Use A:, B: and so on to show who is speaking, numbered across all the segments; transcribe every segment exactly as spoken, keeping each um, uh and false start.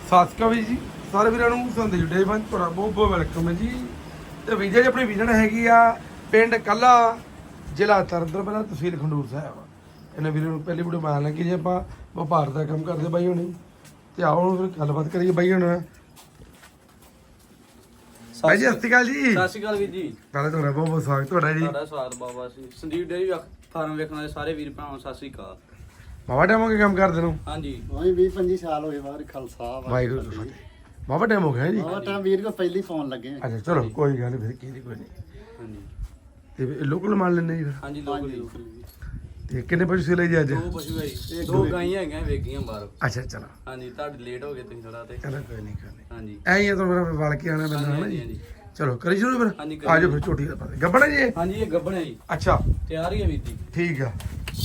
A: ਸਤਿ ਸ਼੍ਰੀ ਅਕਾਲ ਜੀ ਸਾਰੇ ਵੀਰਾਂ ਨੂੰ ਸੰਦੀਪ ਡੇ ਬੰਦ ਤੁਹਾਡਾ ਬਹੁਤ ਬਹੁਤ ਵੈਲਕਮ ਹੈ ਜੀ। ਤੇ ਵੀਜ਼ਾ ਜੀ ਆਪਣੀ ਵਿਜਨ ਹੈਗੀ ਆ ਪਿੰਡ ਕੱਲਾ ਜ਼ਿਲ੍ਹਾ ਤਰਨਤਾਰਨ ਪਹਿਲਾਂ ਤਹਿਸੀਲ ਖੰਡੂਰ ਸਾਹਿਬ। ਇਹਨਾਂ ਵੀਰਾਂ ਨੂੰ ਪਹਿਲੀ ਵੀਡੀਓ ਮਾਰਨ ਲੱਗੀ ਜੀ ਆਪਾਂ ਵਪਾਰ ਦਾ ਕੰਮ ਕਰਦੇ ਬਾਈ ਹੁਣੀ। ਤੇ ਆਓ ਫਿਰ ਗੱਲਬਾਤ ਕਰੀਏ ਬਾਈ ਹੁਣ। ਬਾਈ ਜੀ ਸਤਿ ਸ਼੍ਰੀ ਅਕਾਲ ਜੀ।
B: ਸਤਿ ਸ਼੍ਰੀ ਅਕਾਲ ਵੀਰ ਜੀ।
A: ਪਹਿਲਾਂ ਤੁਹਾਡਾ ਬਹੁਤ ਬਹੁਤ ਸਵਾਗਤ ਤੁਹਾਡਾ ਜੀ।
B: ਤੁਹਾਡਾ ਸਵਾਗਤ ਬਾਬਾ ਜੀ। ਸੰਦੀਪ ਡੇਅਰੀ ਫਾਰਮ ਵੇਖਣ ਵਾਲੇ ਸਾਰੇ ਵੀਰ ਭਰਾਵਾਂ ਨੂੰ ਸਤਿ ਸ਼੍ਰੀ ਅਕਾਲ।
A: ਬਾਬਾ ਟਾਈਮ ਹੋ ਗਿਆ ਕੰਮ ਕਰਦੇ ਨੂੰ?
B: ਹਾਂਜੀ
C: ਉਹੀ ਵੀਹ ਪੰਜੀ ਸਾਲ ਹੋਏ ਬਾਹਰ ਖਾਲਸਾ
A: ਵਾਹਿਗੁਰੂ ਜੀ ਫਤਿਹ। ਬਾਬਾ ਟਾਈਮ ਹੋ ਗਿਆ ਜੀ।
C: ਉਹ ਤਾਂ ਵੀਰ ਕੋ ਪਹਿਲੀ ਫੋਨ ਲੱਗੇ
A: ਅੱਛਾ ਚਲੋ ਕੋਈ ਗੱਲ ਨਹੀਂ ਫਿਰ ਕੀ ਦੀ ਕੋਈ ਨਹੀਂ।
B: ਹਾਂਜੀ
A: ਤੇ ਲੋਕਲ ਮਾਲ ਲੈਣੇ ਜੀ ਫਿਰ?
B: ਹਾਂਜੀ ਲੋਕਲ ਲੋਕਲ
A: ਤੇ ਕਿੰਨੇ ਪਸ਼ੂ ਸੀ ਲਈ ਜੀ ਅੱਜ?
B: ਦੋ ਪਸ਼ੂ ਹੈ ਜੀ, ਦੋ ਗਾਈਆਂ ਹੈਗੀਆਂ ਵੇਗੀਆਂ ਬਾਹਰ।
A: ਅੱਛਾ ਚਲੋ
B: ਹਾਂਜੀ ਤੁਹਾਡੇ ਲੇਟ ਹੋ ਗਏ ਤੁਸੀਂ ਥੋੜਾ ਤੇ।
A: ਚਲੋ ਕੋਈ ਨਹੀਂ ਕੋਈ ਨਹੀਂ।
B: ਹਾਂਜੀ
A: ਐਂ ਹੀ ਆ ਤੁਹਾਨੂੰ ਫਿਰ ਵਲ ਕੇ ਆਣਾ ਪੈਂਦਾ ਹੈ ਨਾ
B: ਹਾਂਜੀ
A: ਜੀ।
B: ਹਾਂਜੀ
A: ਚਲੋ ਕਰੀ ਸ਼ੁਰੂ ਫਿਰ।
B: ਹਾਂਜੀ, ਕਰੀ।
A: ਆ ਜਾਓ ਫਿਰ ਝੋਟੀ ਦਾ ਪਾ ਦੇ ਗੱਬਣਾ ਜੀ ਇਹ?
B: ਹਾਂਜੀ ਇਹ ਗੱਭਣ ਹੈ ਜੀ,
A: ਅੱਛਾ
B: ਤਿਆਰ ਹੀ ਹੈ ਵੀਰ ਜੀ।
A: ਠੀਕ ਆ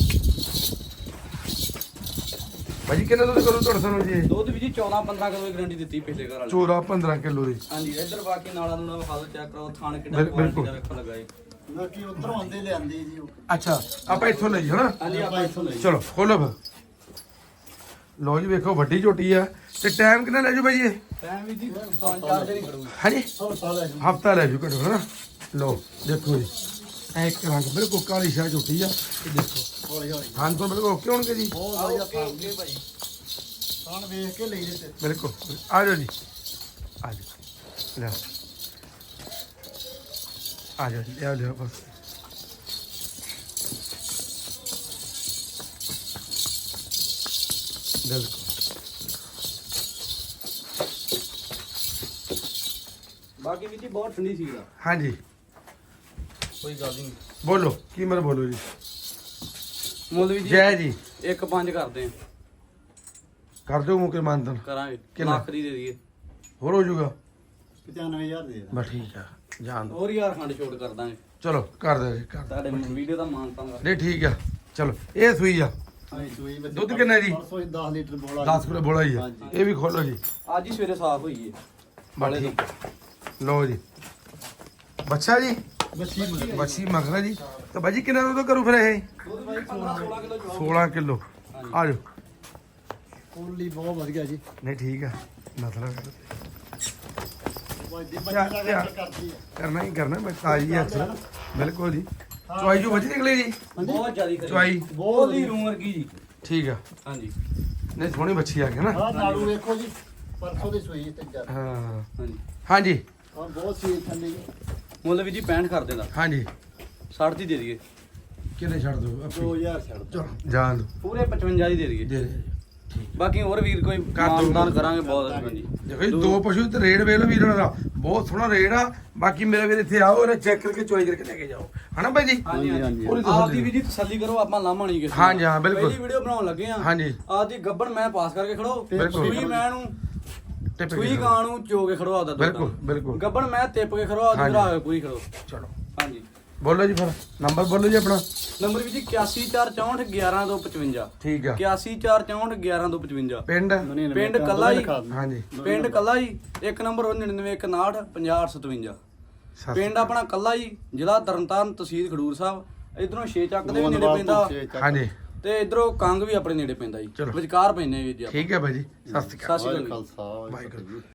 A: ਭਾਜੀ ਕਿੰਨਾ ਦੁੱਧ ਕਰੂ ਤੁਹਾਡੇ ਸਾਨੂੰ ਜੀ ਇਹ?
B: ਦੁੱਧ ਵੀ ਜੀ ਚੌਦਾਂ ਪੰਦਰਾਂ ਕਿਲੋ ਦੀ ਗਰੰਟੀ ਦਿੱਤੀ ਪਿਛਲੇ ਘਰ ਵਾਲੇ।
A: ਚੌਦਾਂ ਪੰਦਰਾਂ ਕਿਲੋ ਦੀ।
B: ਹਾਂਜੀ ਇੱਧਰ ਬਾਕੀ ਨਾਲਾਂ ਨੂੰ ਹਾਲ ਚੈੱਕ ਕਰੋ, ਥਾਣ ਕਿੱਡਾ
A: ਬਿਲ-
B: ਕੁਆਲਿਟੀ
A: ਬਿਲਕੁਲ।
B: ਦਾ ਵੇਖਣ ਲੱਗਾ ਜੀ।
C: ਬਾਕੀ ਉਧਰੋਂ ਆਂਦੇ ਲਿਆਂਦੇ ਜੀ ਉਹ
A: ਅੱਛਾ ਆਪਾਂ ਇੱਥੋਂ ਲਈ ਹਨਾ।
B: ਹਾਂਜੀ ਆਪਾਂ ਇੱਥੋਂ ਲਈ।
A: ਚਲੋ ਖੋਲੋ ਫਿਰ। ਲਓ ਜੀ ਵੇਖੋ ਵੱਡੀ ਝੋਟੀ ਆ। ਤੇ ਟਾਈਮ ਕਿੰਨਾ ਲੈ ਜੂ ਭਾਈ ਇਹ?
B: ਟਾਈਮ ਵੀ ਜੀ ਪੰਜ ਚਾਰ ਦਿਨ ਹੀ ਖੜੂਗੀ।
A: ਹਾਂਜੀ
C: ਸਭ ਸਾਲ ਹੈ
A: ਹਫਤਾ ਲੈ ਜੂ ਘਟੋ ਹਨਾ। ਲਓ ਦੇਖੋ ਜੀ ਐ ਇੱਕ ਰੰਗ ਬਿਲਕੁਲ ਕਾਲੀ ਸ਼ਾਹ ਝੋਟੀ ਆ। ਇਹ ਦੇਖੋ
C: ਹੌਲੀ ਹੌਲੀ
A: ਹਾਂ ਤੋਂ ਬਿਲਕੁਲ ਓਕੇ ਹੋਣਗੇ ਜੀ।
C: ਬਹੁਤ
B: ਆ
C: ਵਧੀਆ
B: ਓਕੇ ਓਕੇ ਭਾਈ।
C: ਖਾਣ ਵੇਖ ਕੇ ਲਈ ਦੇ ਤੇ
A: ਬਿਲਕੁਲ ਆ ਜਾਓ ਜੀ ਆ ਜਾਓ ਲੈ ਆ ਜਾਓ ਲਿਆ ਲਿਆ ਬਸ। ਬਿਲਕੁਲ
B: ਬਾਕੀ ਵੀ ਜੀ ਬਹੁਤ ਠੰਡੀ ਸੀ ਦਾ,
A: ਹਾਂਜੀ
B: ਕੋਈ ਗੱਲ ਨਹੀਂ।
A: ਬੋਲੋ ਕੀ ਮਰ ਬੋਲੋ ਜੀ।
B: ਮੁੱਲ ਵੀ ਜੀ
A: ਜੈ ਜੀ
B: ਇੱਕ ਪੰਜ ਕਰਦੇ ਆ,
A: ਕਰ ਦਿਓ ਮੁਕੇ ਮਾਨਤਨ
B: ਕਰਾਂਗੇ
A: ਕਿੰਨਾ?
B: ਲੱਖ ਦੀ ਦੇ ਦਈਏ।
A: ਹੋਰ ਹੋ ਜਾਊਗਾ
C: ਪਚਾਨਵੇਂ ਹਜ਼ਾਰ ਦੇ
A: ਬਸ ਠੀਕ ਆ ਜਾਣ ਦੋ।
B: ਹੋਰ ਯਾਰ ਖੰਡ ਛੋਟ ਕਰ ਦਾਂਗੇ,
A: ਚਲੋ ਕਰ ਦਿਓ ਜੀ ਕਰ ਦਿਓ।
B: ਤੁਹਾਡੇ ਵੀਡੀਓ ਦਾ ਮਾਨ ਤਾਂਗਾ।
A: ਨਹੀਂ ਠੀਕ ਆ ਚਲੋ। ਇਹ ਸੂਈ ਆ
C: ਹਾਂ ਸੂਈ ਵਿੱਚ
A: ਦੁੱਧ ਕਿੰਨਾ ਜੀ?
C: ਪਰਸੋਂ ਹੀ ਦਸ ਲੀਟਰ ਬੋਲਾ
A: ਦਸ ਕਿਲੋ ਬੋਲਾ ਹੀ ਆ।
C: ਹਾਂਜੀ।
A: ਇਹ ਵੀ ਖੋਲੋ ਜੀ
B: ਅੱਜ ਹੀ ਸਵੇਰੇ ਸਾਫ਼ ਹੋਈ ਏ
A: ਬਸ ਠੀਕ ਆ। ਲਓ ਜੀ ਬੱਚਾ ਜੀ
C: ਬੱਚੀ ਮੁੰਡੇ
A: ਬੱਚੀ ਮਗਰਾ ਜੀ। ਤਾਂ ਬਾਜੀ ਕਿੰਨਾ ਦੁੱਧ ਕਰੂ ਫਿਰ ਇਹ?
B: ਦੁੱਧ ਬਾਈ ਪੰਦਰਾਂ ਸੋਲਾਂ ਕਿਲੋ ਚਵਾ।
A: ਸੋਲਾਂ ਕਿਲੋ ਆ ਜਾਓ।
C: ਕੋਲੀ ਬਹੁਤ ਵਧੀਆ ਜੀ
A: ਨਹੀਂ ਠੀਕ ਆ ਮਤਲਬ
C: ਵੱਡੀ
A: ਯਾਰ,
C: ਬੱਚੀ
A: ਯਾਰ।
C: ਦਾ ਕਰਦੀ ਹੈ
A: ਕਰਨਾ ਹੀ ਕਰਨਾ ਮੈਂ ਤਾਜੀ ਹੈ ਅਕਸਰ ਬਿਲਕੁਲ ਜੀ। ਚੁਆਈ ਜੋ ਵਧੀਆ ਨਿਕਲੀ ਜੀ।
B: ਬਹੁਤ ਜ਼ਿਆਦੀ ਕਰੀ।
A: ਚੁਆਈ
B: ਬਹੁਤ ਹੀ ਰੂਮ ਵਰਗੀ ਜੀ।
A: ਠੀਕ ਆ।
B: ਹਾਂਜੀ
A: ਨਹੀਂ ਸੋਹਣੀ ਬੱਚੀ ਆ ਗਈ ਨਾ।
C: ਆਹ ਨਾੜੂ ਵੇਖੋ ਜੀ ਪਰਸੋਂ ਦੀ ਸੂਈ ਤੇ ਜਾ
A: ਹਾਂ
B: ਹਾਂਜੀ
A: ਹਾਂਜੀ
C: ਹਾਂ ਬਹੁਤ ਸੀ ਠੰਡੀ
B: ਮੁੱਲ ਵੀ ਜੀ ਪੈਂਹਠ ਕਰ ਦੇਣਾ,
A: ਹਾਂਜੀ
B: ਸੱਠ ਦੀ ਦੇ ਦਈਏ।
A: ਕਿੰਨੇ ਛੱਡ ਦੋ ਆਪੀ
C: ਦੋ ਹਜ਼ਾਰ ਛੱਡ ਦਿਓ।
A: ਚਲੋ ਜਾਣ ਦੋ
B: ਪੂਰੇ ਪਚਵੰਜਾ ਦੀ ਦੇ ਦਈਏ।
A: ਦੇ ਦੇ ਠੀਕ।
B: ਬਾਕੀ ਹੋਰ ਵੀਰ ਕੋਈ
A: ਕਰ ਦਿਓ।
B: ਮਾਨਦਾਨ ਕਰਾਂਗੇ ਬਹੁਤ। ਹਾਂਜੀ
A: ਦੇਖੋ ਜੀ ਦੋ ਪਸ਼ੂ ਤੇ ਰੇਡ ਵੇਖ ਲਓ ਵੀਰ ਉਹਨਾਂ ਦਾ ਬਹੁਤ ਸੋਹਣਾ ਰੇਡ ਆ। ਬਾਕੀ ਮੇਰੇ ਵੀਰ ਇੱਥੇ ਆਓ ਇਹਨਾਂ ਚੈੱਕ ਕਰਕੇ ਚੁਆਈ ਕਰਕੇ ਲੈ ਕੇ ਜਾਓ ਹਨਾ ਭਾਈ ਜੀ।
B: ਹਾਂਜੀ ਹਾਂਜੀ
A: ਪੂਰੀ
B: ਆਪ ਦੀ ਵੀ ਜੀ ਤਸੱਲੀ ਕਰੋ, ਆਪਾਂ ਲਾਮਾ ਨਹੀਂ ਕਿਸੇ ਨੂੰ।
A: ਹਾਂਜੀ, ਹਾਂ, ਬਿਲਕੁਲ।
B: ਪਹਿਲੀ ਵੀਡੀਓ ਬਣਾਉਣ ਲੱਗੇ ਆ।
A: ਹਾਂਜੀ।
B: ਆਪ ਦੀ ਗੱਬੜ ਮੈਂ ਪਾਸ ਕਰਕੇ ਖੜੋ,
A: ਬਿਲਕੁਲ।
B: ਸੂਈ ਮੈਂ ਨੂੰ
A: ਟਿਪ ਕੇ
B: ਸੂਈ
A: ਜਾਓ।
B: ਗਾਂ ਨੂੰ ਚੋ ਕੇ ਖੜੋ ਆਦਾ
A: ਬਿਲਕੁਲ ਬਿਲਕੁਲ
B: ਗੱਬੜ ਮੈਂ ਟਿਪ ਕੇ ਖੜੋ ਆਦਾ
A: ਹਾਂਜੀ।
B: ਭਰਾ ਕੇ ਪੂਰੀ ਖੜੋ।
A: ਚਲੋ
B: ਹਾਂਜੀ
A: ਬੋਲੋ ਜੀ ਫਿਰ ਨੰਬਰ ਬੋਲੋ ਜੀ ਆਪਣਾ।
B: ਨੰਬਰ ਵੀ ਜੀ ਇਕਾਸੀ ਚਾਰ ਚੌਂਹਠ ਗਿਆਰਾਂ ਦੋ ਪਚਵੰਜਾ।
A: ਠੀਕ ਆ।
B: ਇਕਾਸੀ ਚਾਰ ਚੌਂਹਠ ਗਿਆਰਾਂ ਦੋ ਪਚਵੰਜਾ।
A: ਪਿੰਡ
B: ਪਿੰਡ ਕੱਲਾ ਹੀ।
A: ਹਾਂਜੀ
B: ਪਿੰਡ ਕੱਲਾ ਹੀ। ਇੱਕ ਨੰਬਰ ਨੜਿਨਵੇਂ ਇੱਕ ਉਨਾਹਠ ਪੰਜਾਹ ਅੱਠ ਸਤਵੰਜਾ।
A: ਸਤਿ
B: ਪਿੰਡ ਆਪਣਾ ਕੱਲਾ ਹੀ, ਜ਼ਿਲ੍ਹਾ ਤਰਨਤਾਰਨ, ਤਹਿਸੀਲ ਖਡੂਰ ਸਾਹਿਬ। ਇਧਰੋਂ ਛੇ ਚੱਕ ਦੇ ਵੀ ਨੇੜੇ ਪੈਂਦਾ
A: ਹਾਂਜੀ
B: ਤੇ ਇਧਰੋਂ ਕੰਗ ਵੀ ਆਪਣੇ ਨੇੜੇ ਪੈਂਦਾ ਜੀ।
A: ਚਲੋ।
B: ਵਿਚਕਾਰ ਪੈਂਦੇ ਵੀਰ ਜੀ ਆਪਾਂ।
A: ਠੀਕ ਹੈ ਭਾਈ ਜੀ ਸਤਿ ਸ਼੍ਰੀ ਅਕਾਲ।
B: ਸਤਿ ਸ਼੍ਰੀ ਅਕਾਲ।
C: ਖਾਲਸਾ
A: ਵਾਹਿਗੁਰੂ।